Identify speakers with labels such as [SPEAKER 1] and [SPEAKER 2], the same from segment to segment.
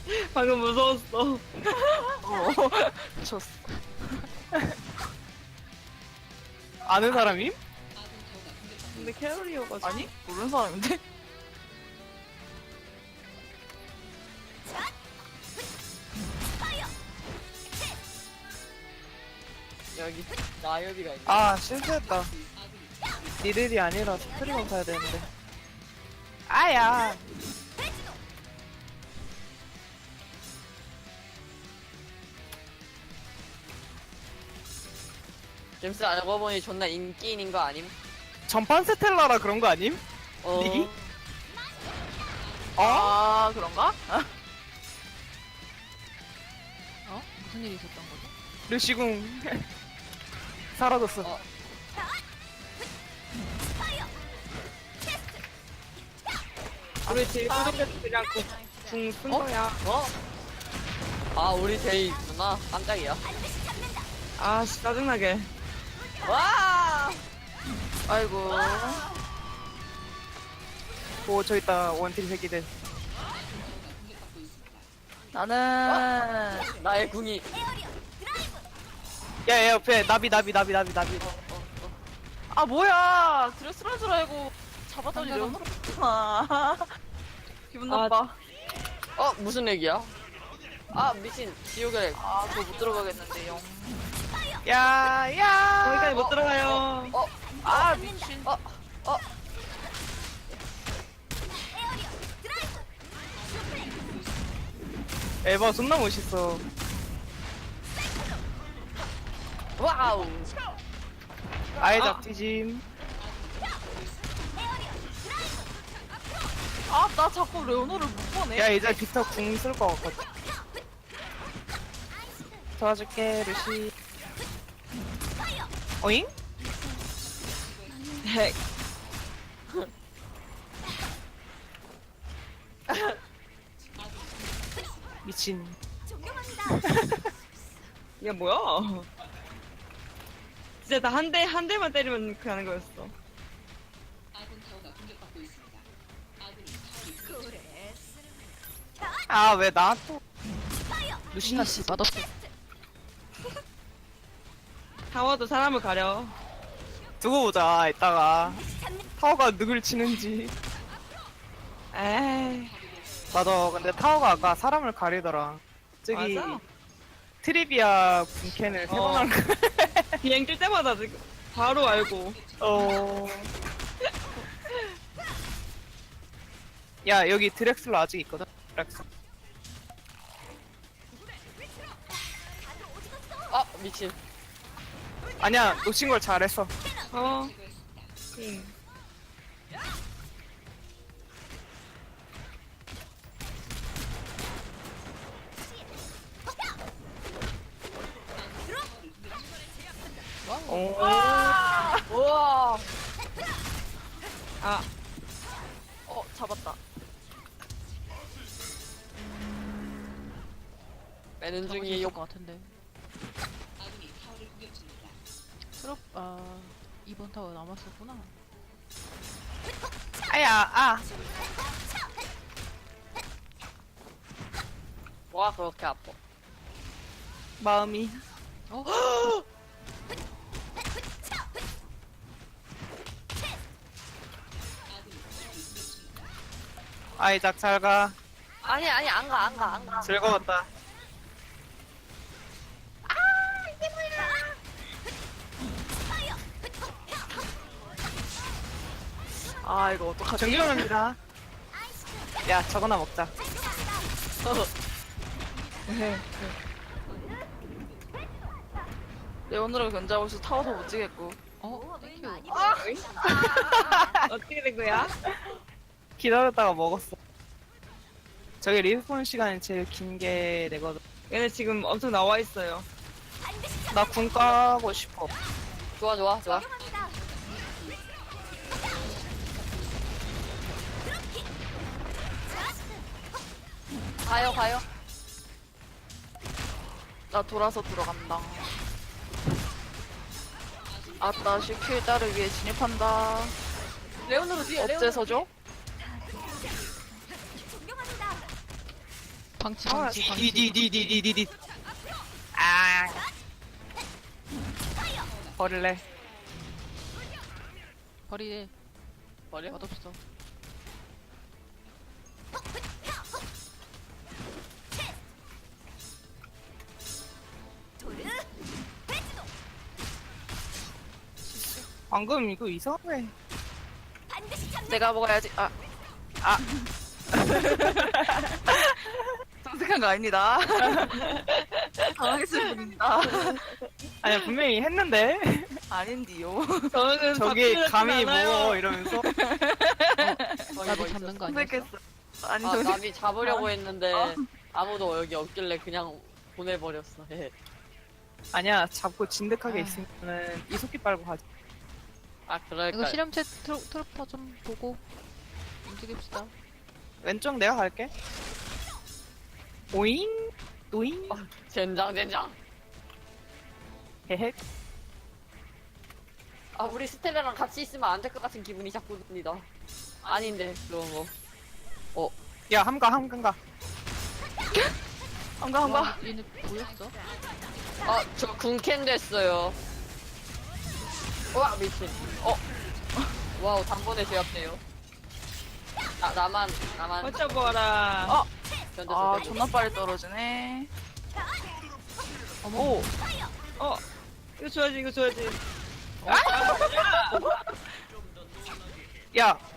[SPEAKER 1] 방금 무서웠어.
[SPEAKER 2] 미쳤어.
[SPEAKER 3] 아는 사람임?
[SPEAKER 1] 근데 캐롤이어가지고.
[SPEAKER 2] 아니? 모르는 사람인데? 여기 나엽이가 있네.
[SPEAKER 3] 아 실수했다. 니들이 아니라 스트리머 사야 되는데. 아야.
[SPEAKER 2] 잼스 알고 보니 존나 인기인인 거 아님?
[SPEAKER 3] 전판 스텔라라 그런 거 아님?
[SPEAKER 2] 어.
[SPEAKER 3] 닉이?
[SPEAKER 2] 아 그런가?
[SPEAKER 4] 어? 무슨 일이 있었던 거죠?
[SPEAKER 3] 르시궁 사라졌어.
[SPEAKER 2] 어.
[SPEAKER 1] 우리 제일 구독해서 그냥 궁쓴
[SPEAKER 2] 어?
[SPEAKER 1] 거야.
[SPEAKER 2] 어? 아 우리 데이 있구나. 깜짝이야.
[SPEAKER 1] 아, 씨, 짜증나게.
[SPEAKER 2] 와!
[SPEAKER 3] 아이고. 오, 저 있다. 원딜 새끼들.
[SPEAKER 2] 나는 나의 궁이
[SPEAKER 3] 야, 야, 옆에 나비.
[SPEAKER 2] 아 뭐야 드레스란 줄 알고 잡았더니 레오나로 붙구나. 기분
[SPEAKER 1] 아,
[SPEAKER 2] 나빠. 어 무슨 렉이야? 아 미친 지옥의 렉. 아 그거 못 들어가겠는데요.
[SPEAKER 3] 야, 야.
[SPEAKER 1] 거기까지 못 들어가요.
[SPEAKER 2] 아 미친.
[SPEAKER 3] 에바 존나 멋있어.
[SPEAKER 2] 와우.
[SPEAKER 3] 아예 잡티짐.
[SPEAKER 2] 아 나 자꾸 레오나를 못 보네.
[SPEAKER 3] 야, 이제 빅터 궁 쓸 것 같거든. 도와줄게, 루시. 어잉?
[SPEAKER 1] 핵.
[SPEAKER 3] 미친.
[SPEAKER 1] 이게 뭐야? 진짜 나 한 대만 때리면 그 하는 거였어.
[SPEAKER 3] 아, 왜 나 또. 루시나
[SPEAKER 4] 씨, 맛없어.
[SPEAKER 1] 타워도 사람을 가려.
[SPEAKER 3] 두고 보자, 이따가. 타워가 누굴 치는지.
[SPEAKER 1] 에이,
[SPEAKER 3] 맞아, 근데 타워가 아까 사람을 가리더라. 저기,
[SPEAKER 1] 맞아.
[SPEAKER 3] 트리비아 분캔을 세 번 한 거.
[SPEAKER 1] 비행 뜰 때마다 지금 바로 알고.
[SPEAKER 3] 야, 여기 드렉슬러 아직 있거든? 드렉슬러.
[SPEAKER 2] 아 미친.
[SPEAKER 3] 아니야, 놓친 걸 잘했어.
[SPEAKER 1] 어. 응.
[SPEAKER 3] 오.
[SPEAKER 2] 우와.
[SPEAKER 1] 아,
[SPEAKER 2] 잡았다. 빼는 중이
[SPEAKER 4] 있을
[SPEAKER 2] 욕.
[SPEAKER 4] 것 같은데. 트럭, 아, 2번 타워 남았었구나.
[SPEAKER 3] 아야, 아.
[SPEAKER 2] 뭐가 그렇게 아파?
[SPEAKER 3] 마음이.
[SPEAKER 4] 어?
[SPEAKER 3] 아이작 잘 가.
[SPEAKER 2] 아니 안 가.
[SPEAKER 3] 즐거웠다.
[SPEAKER 2] 아 이거 어떡하지?
[SPEAKER 3] 정규영입니다. 야, 저거나 먹자.
[SPEAKER 2] 레오나를 견제하고 있어. 타워도 못 지겠고.
[SPEAKER 4] 어? 땡큐.
[SPEAKER 1] 어떻게 된 거야?
[SPEAKER 3] 기다렸다가 먹었어. 저기 리스폰 시간이 제일 긴 게 되거든.
[SPEAKER 1] 얘네 지금 엄청 나와 있어요.
[SPEAKER 3] 나 군 까고 싶어.
[SPEAKER 2] 좋아. 가요. 나 돌아서 들어간다. 아따 시킬 딸을 위해 진입한다. 레오나로 뒤에. 어째서죠?
[SPEAKER 4] 방치 방치 방치.
[SPEAKER 3] 디디디디디디디. 아. 버릴래.
[SPEAKER 4] 버리래.
[SPEAKER 2] 버려?
[SPEAKER 4] 맛없어.
[SPEAKER 3] 방금 이거 이상해.
[SPEAKER 2] 내가 먹어야지. 아. 정색한 거 아닙니다. 당황했을 뿐입니다.
[SPEAKER 3] 아니야 분명히 했는데.
[SPEAKER 2] 아닌디요.
[SPEAKER 1] 저는
[SPEAKER 3] 저기
[SPEAKER 1] 바뀌지
[SPEAKER 3] 감히
[SPEAKER 1] 않아요.
[SPEAKER 3] 뭐 이러면서.
[SPEAKER 4] 나비 잡는 거 아니었어?
[SPEAKER 2] 정색했어. 아니
[SPEAKER 5] 아,
[SPEAKER 2] 정색.
[SPEAKER 5] 나비 잡으려고 했는데 아무도 여기 없길래 그냥 보내버렸어. 예.
[SPEAKER 3] 아니야 잡고 진득하게
[SPEAKER 4] 아.
[SPEAKER 3] 있으면은 이속기 빨고 가자.
[SPEAKER 5] 아 그럴까?
[SPEAKER 4] 이거 실험체 트로퍼 좀 보고 움직입시다.
[SPEAKER 3] 왼쪽 내가 갈게. 오잉 오잉
[SPEAKER 5] 젠장.
[SPEAKER 3] 헤헤.
[SPEAKER 5] 아 우리 스텔라랑 같이 있으면 안 될 것 같은 기분이 자꾸 듭니다. 아닌데 그런 거.
[SPEAKER 3] 야 함가.
[SPEAKER 2] 한가.
[SPEAKER 4] 와, 얘네 보였어?
[SPEAKER 5] 아저 군캔 됐어요. 와 미친. 와우 단번에 제압돼요. 나만
[SPEAKER 1] 버텨봐라.
[SPEAKER 5] 견뎌서
[SPEAKER 2] 아 존나 빨리 떨어지네.
[SPEAKER 3] 오.
[SPEAKER 1] 이거 줘야지, 이거 줘야지.
[SPEAKER 3] 야.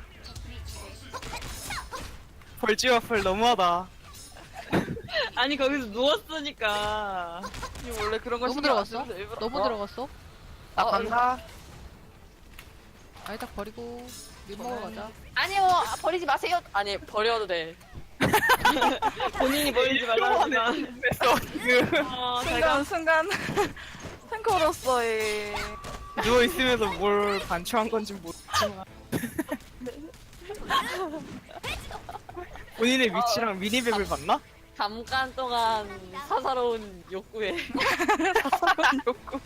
[SPEAKER 3] 벌지와플 너무하다.
[SPEAKER 1] 아니, 거기서 누웠으니까.
[SPEAKER 2] 이 원래 그런 거
[SPEAKER 4] 너무
[SPEAKER 2] 신경 안
[SPEAKER 4] 들어갔어?
[SPEAKER 2] 쓰는데 일부러.
[SPEAKER 4] 너무 들어갔어?
[SPEAKER 3] 나 간다.
[SPEAKER 4] 아예 딱 버리고 밀 먹으러 가자.
[SPEAKER 5] 아니요 버리지 마세요. 아니 버려도 돼.
[SPEAKER 1] 본인이 버리지 말라니까.
[SPEAKER 3] 그래서 지금
[SPEAKER 2] 순간 탱커로서의
[SPEAKER 3] 누워 있으면서 뭘 반추한 건지 모르지만 본인의 위치랑 미니맵을 봤나?
[SPEAKER 5] 잠깐 동안 사사로운 욕구에
[SPEAKER 2] 욕구.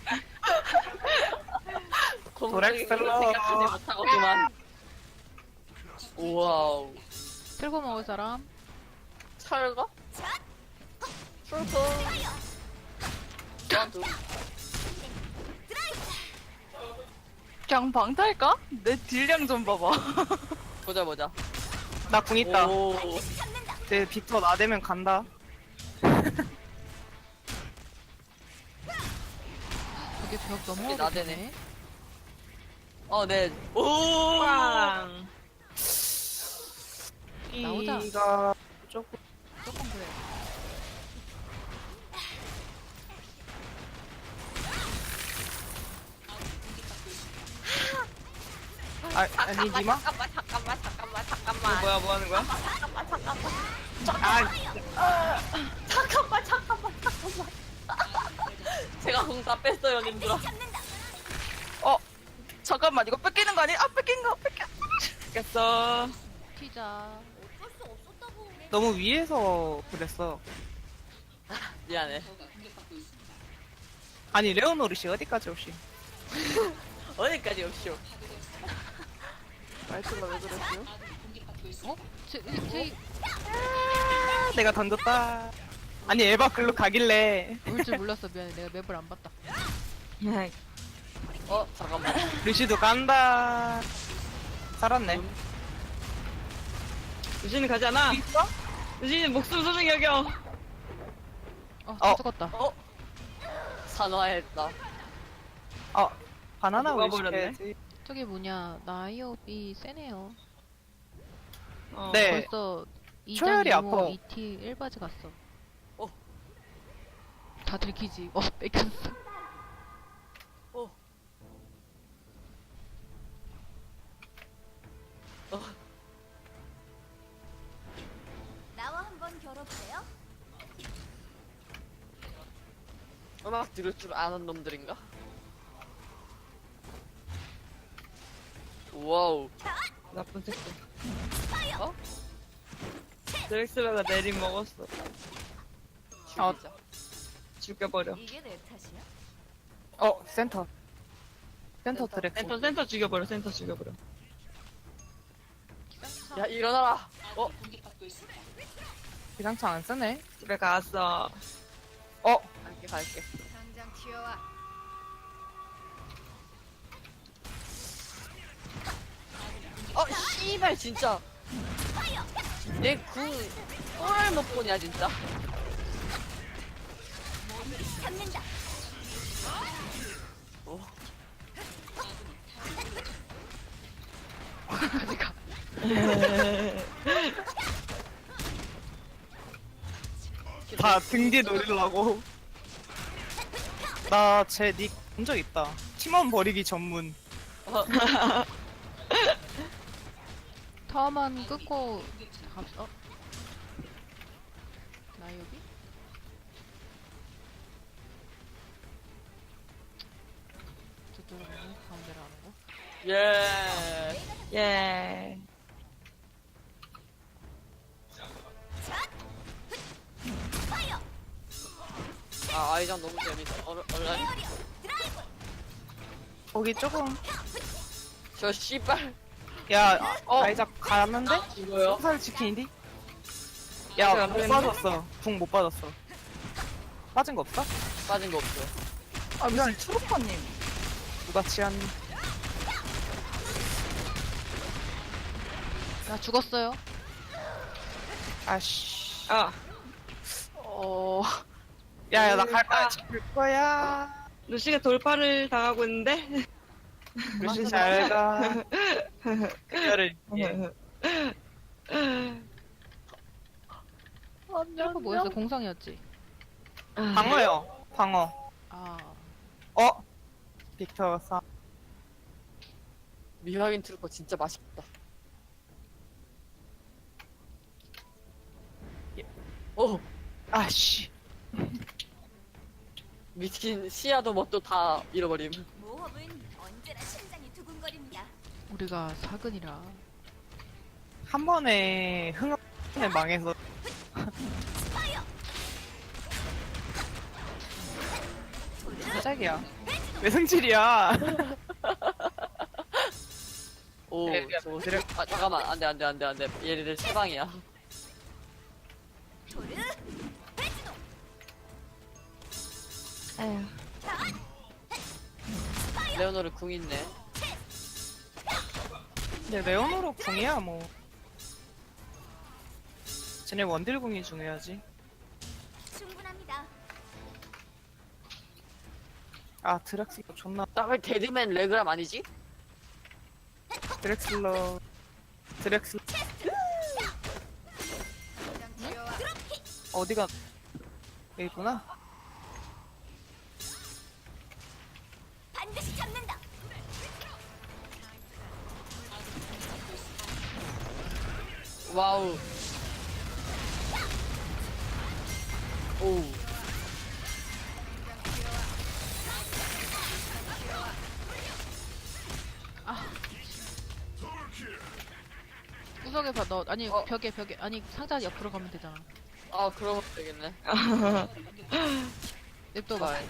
[SPEAKER 3] 도렉슬러.
[SPEAKER 5] 생각하지 못하고 그만. 와우.
[SPEAKER 4] 틀고 먹을 사람?
[SPEAKER 5] 철거? 철거. 나도.
[SPEAKER 2] 그냥 방탈까? 내 딜량 좀 봐봐.
[SPEAKER 5] 보자.
[SPEAKER 3] 나 궁 있다.
[SPEAKER 5] 오.
[SPEAKER 3] 내 빅터 나대면 간다.
[SPEAKER 4] 저게 벽
[SPEAKER 5] 저게
[SPEAKER 4] 넘어가게
[SPEAKER 5] 나대네.
[SPEAKER 4] 되네.
[SPEAKER 5] 네. 오.
[SPEAKER 1] 빵.
[SPEAKER 4] 나오자.
[SPEAKER 3] 이가 조금
[SPEAKER 4] 조금 그래.
[SPEAKER 3] 아니 니마?
[SPEAKER 5] 잠깐만.
[SPEAKER 1] 뭐야, 뭐 하는 거야?
[SPEAKER 3] 아
[SPEAKER 5] 잠깐만. 제가 공 다 뺐어요, 님들아.
[SPEAKER 2] 잠깐만 이거 뺏기는 거 아니? 아 뺏긴 거.
[SPEAKER 1] 겠어.
[SPEAKER 4] 튀자.
[SPEAKER 3] 너무 위에서 그랬어.
[SPEAKER 5] 미안해.
[SPEAKER 3] 아니 레오노르시 어디까지 오시?
[SPEAKER 5] 어디까지 없쇼?
[SPEAKER 2] 말투가 왜 그랬어요?
[SPEAKER 4] 어? 제
[SPEAKER 3] 내가 던졌다. 아니 에바 글로 가길래
[SPEAKER 4] 올 줄 몰랐어. 미안해. 내가 맵을 안 봤다.
[SPEAKER 5] 잠깐만.
[SPEAKER 3] 루시도 간다. 살았네.
[SPEAKER 1] 유진이 가잖아.
[SPEAKER 3] 있어?
[SPEAKER 1] 유진이 목숨 소중히 여겨.
[SPEAKER 3] 어.
[SPEAKER 4] 죽었다.
[SPEAKER 5] 산화했다.
[SPEAKER 3] 바나나
[SPEAKER 1] 누가
[SPEAKER 3] 우유
[SPEAKER 1] 버렸네?
[SPEAKER 3] 시켜야지.
[SPEAKER 4] 저기 뭐냐. 나이업이 세네요.
[SPEAKER 3] 네.
[SPEAKER 4] 벌써 2장
[SPEAKER 3] 초열이
[SPEAKER 4] 2호
[SPEAKER 3] 아파.
[SPEAKER 4] 2T 1바지 갔어.
[SPEAKER 5] 어.
[SPEAKER 4] 다 들키지. 뺏겼어.
[SPEAKER 6] 나와 한번 겨뤄볼래요?
[SPEAKER 5] 음악 들을 줄 아는 놈들인가? 와우.
[SPEAKER 1] 나쁜 새끼.
[SPEAKER 5] 어?
[SPEAKER 1] 드렉슬러가 내림 먹었어.
[SPEAKER 5] 죽이자.
[SPEAKER 1] 죽여버려.
[SPEAKER 6] 이게 내 탓이야?
[SPEAKER 3] 센터. 센터 트랙.
[SPEAKER 1] 센터 죽여버려, 센터 죽여버려.
[SPEAKER 5] 야 일어나라.
[SPEAKER 3] 기상청 안 쓰네.
[SPEAKER 1] 집에 갔어.
[SPEAKER 5] 갈게.
[SPEAKER 6] 당장 튀어와.
[SPEAKER 5] 씨발 진짜. 내궁 또를 못 보냐 진짜.
[SPEAKER 6] 잡는다.
[SPEAKER 3] 다 등 뒤 노리려고. 나 쟤 닉 본 적 있다. 팀원 버리기 전문.
[SPEAKER 4] 타워만 끊고 갑시다. 나 여기? 저쪽으로 가는 가운데로 하는 거?
[SPEAKER 5] 예.
[SPEAKER 1] 예.
[SPEAKER 5] 아이장 너무 재밌다. 얼른.
[SPEAKER 3] 거기 조금.
[SPEAKER 5] 저 씨발.
[SPEAKER 3] 야, 아이작 가는데?
[SPEAKER 5] 이거요?
[SPEAKER 3] 살 지키니? 야, 못 빠졌어. 궁 못 빠졌어. 빠진 거 없어?
[SPEAKER 5] 빠진 거 없어.
[SPEAKER 3] 아, 미안, 초록파님. 누가 치안.
[SPEAKER 4] 나 죽었어요.
[SPEAKER 3] 아씨.
[SPEAKER 1] 아,
[SPEAKER 3] 야, 나 갈 거야. 갈 거야.
[SPEAKER 1] 루시가 돌파를 당하고 있는데?
[SPEAKER 3] 루시 잘 가. 그녀를 위해.
[SPEAKER 4] 트로퍼 뭐였어? 공성이었지?
[SPEAKER 3] 방어요. 방어.
[SPEAKER 4] 아,
[SPEAKER 3] 빅터 사.
[SPEAKER 5] 미확인 트루퍼 진짜 맛있다. 오,
[SPEAKER 3] 아씨.
[SPEAKER 5] 미친 시야도 뭣도 다 잃어버림.
[SPEAKER 6] 모험은 언제나 심장이 두근거립니다.
[SPEAKER 4] 우리가 사근이라.
[SPEAKER 3] 한 번에 흥에 망해서. 짝이야. 왜 승질이야?
[SPEAKER 5] 오,
[SPEAKER 3] 야,
[SPEAKER 5] 저 잠깐만, 안돼. 얘네들 세방이야.
[SPEAKER 6] 토르 배지도.
[SPEAKER 1] 에휴.
[SPEAKER 5] 레오노르 궁 있네.
[SPEAKER 3] 근데 레오노로 궁이야 뭐. 쟤네 원딜 궁이 중요하지.
[SPEAKER 6] 충분합니다.
[SPEAKER 3] 아 드렉슬러 존나.
[SPEAKER 5] 나왜 데드맨 레그람 아니지?
[SPEAKER 3] 드렉슬러.
[SPEAKER 6] 당장 튀어와.
[SPEAKER 3] 어디가 여기 있구나.
[SPEAKER 6] 반드시 잡는다.
[SPEAKER 5] 와우. 오.
[SPEAKER 4] 구석에 봐, 너, 아니, 벽에, 아니, 상자 옆으로 가면 되잖아.
[SPEAKER 5] 아, 그러면 되겠네.
[SPEAKER 4] 냅둬봐.
[SPEAKER 5] 아,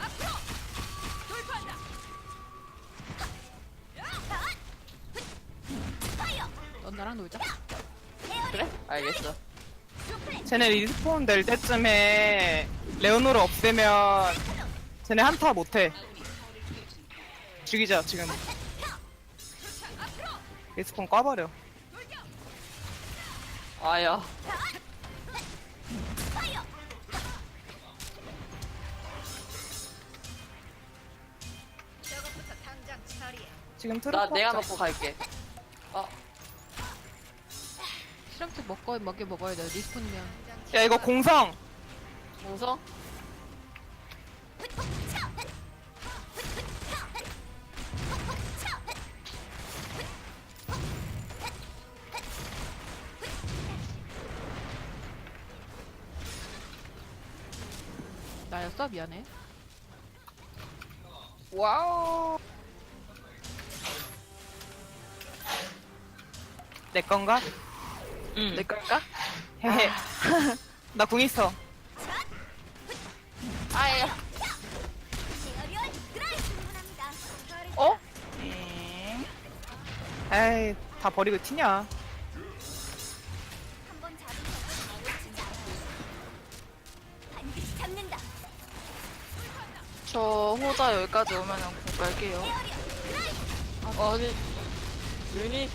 [SPEAKER 4] 넌 나랑 놀자.
[SPEAKER 5] 그래? 알겠어.
[SPEAKER 3] 쟤네 리스폰 될 때쯤에 레오노를 없애면 쟤네 한타 못해. 죽이자 지금. 리스폰 꺼버려.
[SPEAKER 5] 아야.
[SPEAKER 6] 저것부터 당장 처리해.
[SPEAKER 3] 지금
[SPEAKER 5] 나
[SPEAKER 3] 트루퍼.
[SPEAKER 5] 내가 먹고 갈게.
[SPEAKER 4] 실험체 먹어야 돼. 리스폰이면.
[SPEAKER 3] 야 이거 공성.
[SPEAKER 5] 공성?
[SPEAKER 4] 나였어? 미안해.
[SPEAKER 5] 와우.
[SPEAKER 3] 내 건가?
[SPEAKER 1] 응.
[SPEAKER 5] 내 걸까?
[SPEAKER 3] 헤헤. 나 궁 있어.
[SPEAKER 5] 아야.
[SPEAKER 6] 에어리얼 드라이브. 충분합니다.
[SPEAKER 5] 어?
[SPEAKER 3] 에이 다 버리고 튀냐.
[SPEAKER 6] 한번 잡은 적은 놓치지 않아요.
[SPEAKER 2] 저 호자 여기까지 오면은 공 갈게요.
[SPEAKER 5] 아니 유니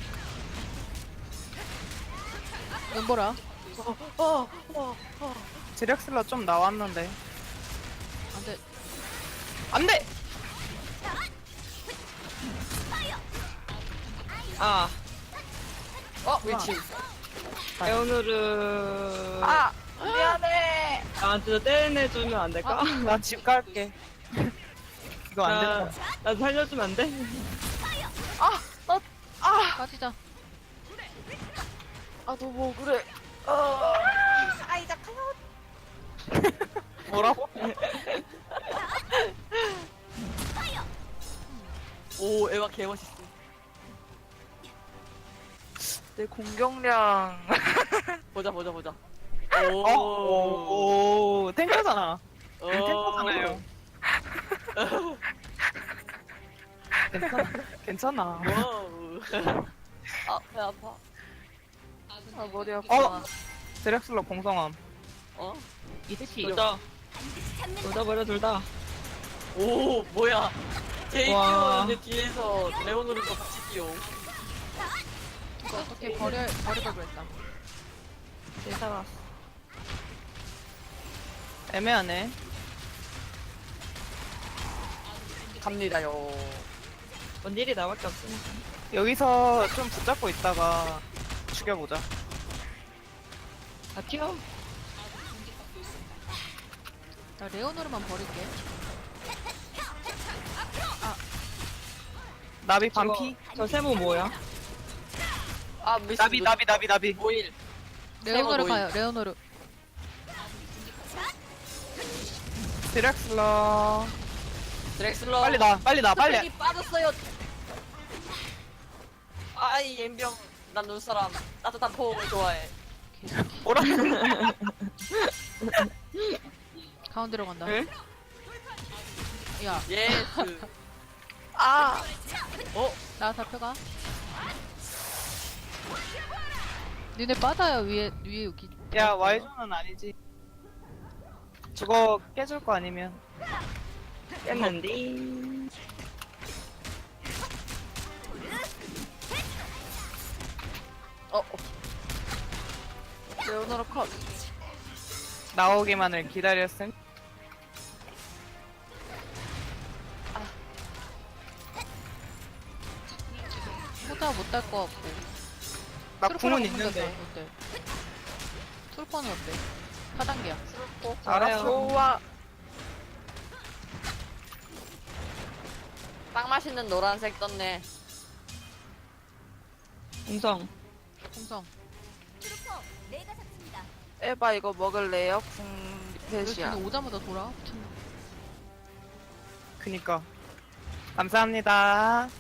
[SPEAKER 4] 눈보라.
[SPEAKER 3] 드렉슬러 좀 나왔는데.
[SPEAKER 4] 안돼.
[SPEAKER 3] 안 돼!
[SPEAKER 1] 아,
[SPEAKER 5] 위치
[SPEAKER 1] 에오누르.
[SPEAKER 2] 아 미안해.
[SPEAKER 1] 나한테 떼내주면 안 될까?
[SPEAKER 3] 나 집 갈게. 이거 안 된다.
[SPEAKER 1] 나 살려주면 안 돼?
[SPEAKER 4] 빠지자.
[SPEAKER 2] 아 너무 그래. 아이작
[SPEAKER 3] 뭐라고?
[SPEAKER 5] 오 에바 개멋있어.
[SPEAKER 2] 내 공격량.
[SPEAKER 5] 보자 보자 보자.
[SPEAKER 3] 오, 탱커잖아.
[SPEAKER 5] 오.
[SPEAKER 3] 탱커잖아요. 괜찮아. 괜찮아.
[SPEAKER 5] 와우. 아배 아파.
[SPEAKER 2] 아 머리 아파.
[SPEAKER 3] 드렉슬러 공성함.
[SPEAKER 5] 어?
[SPEAKER 4] 이티.
[SPEAKER 1] 둘 다 버려, 둘 다.
[SPEAKER 5] 오 뭐야? 제이
[SPEAKER 1] 와.
[SPEAKER 5] 뛰어오는데 뒤에서 레오노르도 같이 뛰어.
[SPEAKER 4] 이거 어떻게 버리고 그랬다.
[SPEAKER 1] 쟤 살았어.
[SPEAKER 3] 애매하네.
[SPEAKER 5] 갑니다요.
[SPEAKER 1] 뭔 일이 나밖에 없으니까.
[SPEAKER 3] 여기서 좀 붙잡고 있다가 죽여보자.
[SPEAKER 1] 다 튀어.
[SPEAKER 4] 나 레오노르만 버릴게.
[SPEAKER 3] 나비 반피.
[SPEAKER 1] 저 세모 뭐야?
[SPEAKER 5] 아 미스.
[SPEAKER 3] 나비.
[SPEAKER 5] 모일.
[SPEAKER 4] 레오노르
[SPEAKER 5] 모임.
[SPEAKER 4] 가요. 레오노르.
[SPEAKER 3] 드렉슬러.
[SPEAKER 5] 드렉슬러.
[SPEAKER 3] 빨리 나.
[SPEAKER 5] 스펙이 빠졌어요. 아이 옌병. 난 눈사람. 따뜻한 포옹을 좋아해.
[SPEAKER 3] 뭐라?
[SPEAKER 4] 가운데로 간다.
[SPEAKER 1] 응?
[SPEAKER 4] 야,
[SPEAKER 5] 예스.
[SPEAKER 2] 아
[SPEAKER 4] 나 잡혀가. 니네 빠져요. 위에 여기.
[SPEAKER 3] 야, 와이존은 아니지. 저거 깨줄 거 아니면.
[SPEAKER 1] 깼는데.
[SPEAKER 2] 레오노르 컷.
[SPEAKER 3] 나오기만을 기다렸음.
[SPEAKER 4] 호자 못딸 거 같고.
[SPEAKER 3] 나
[SPEAKER 4] 트루퍼랑
[SPEAKER 3] 궁은
[SPEAKER 4] 붙는다,
[SPEAKER 3] 있는데.
[SPEAKER 4] 어때? 트루퍼는 어때? 4단계야.
[SPEAKER 3] 알았어.
[SPEAKER 2] 좋아.
[SPEAKER 5] 빵 맛있는 노란색 떴네.
[SPEAKER 1] 공성.
[SPEAKER 4] 공성.
[SPEAKER 6] 트루퍼 내가 잡습니다.
[SPEAKER 2] 에바 이거 먹을래요? 궁 리펫이야.
[SPEAKER 4] 근데 오자마자 돌아. 미쳤나?
[SPEAKER 3] 그니까. 감사합니다.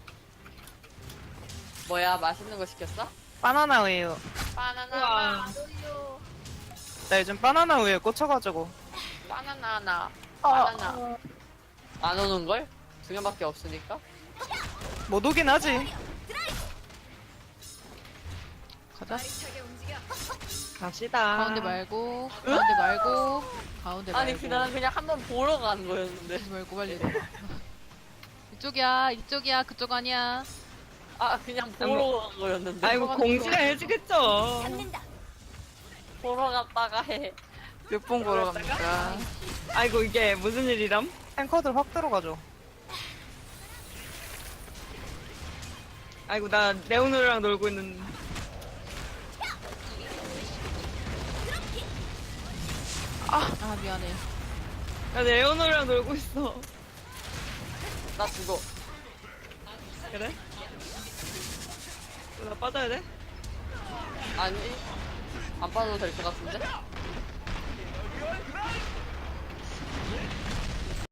[SPEAKER 5] 뭐야 맛있는 거 시켰어?
[SPEAKER 3] 바나나 우유.
[SPEAKER 5] 바나나.
[SPEAKER 1] 우와.
[SPEAKER 3] 나 요즘 바나나 우유에 꽂혀가지고.
[SPEAKER 5] 바나나. 바나나. 안 오는 걸? 2명밖에 없으니까.
[SPEAKER 3] 못 오긴 하지.
[SPEAKER 4] 가자.
[SPEAKER 6] 차게 움직여.
[SPEAKER 1] 갑시다.
[SPEAKER 4] 가운데 말고. 가운데 말고. 가운데
[SPEAKER 5] 아니
[SPEAKER 4] 말고.
[SPEAKER 5] 나는 그냥 한번 보러 간 거였는데.
[SPEAKER 4] 가지 말고 빨리 내려가. 이쪽이야. 그쪽 아니야.
[SPEAKER 5] 아 그냥 보러 간 거였는데.
[SPEAKER 1] 아이고, 공지가 해주겠죠.
[SPEAKER 6] 잡는다.
[SPEAKER 5] 보러 갔다가 해.
[SPEAKER 2] 몇 번 걸어갑니까?
[SPEAKER 1] 아이고, 이게 무슨 일이람?
[SPEAKER 3] 탱커들 확 들어가죠.
[SPEAKER 1] 아이고, 나 레오노르랑 놀고 있는.
[SPEAKER 4] 아 미안해.
[SPEAKER 1] 나 레오노르랑 놀고 있어.
[SPEAKER 5] 나 죽어.
[SPEAKER 1] 그래? 나 빠져야 돼?
[SPEAKER 5] 아니 안 빠져도 될 것 같은데?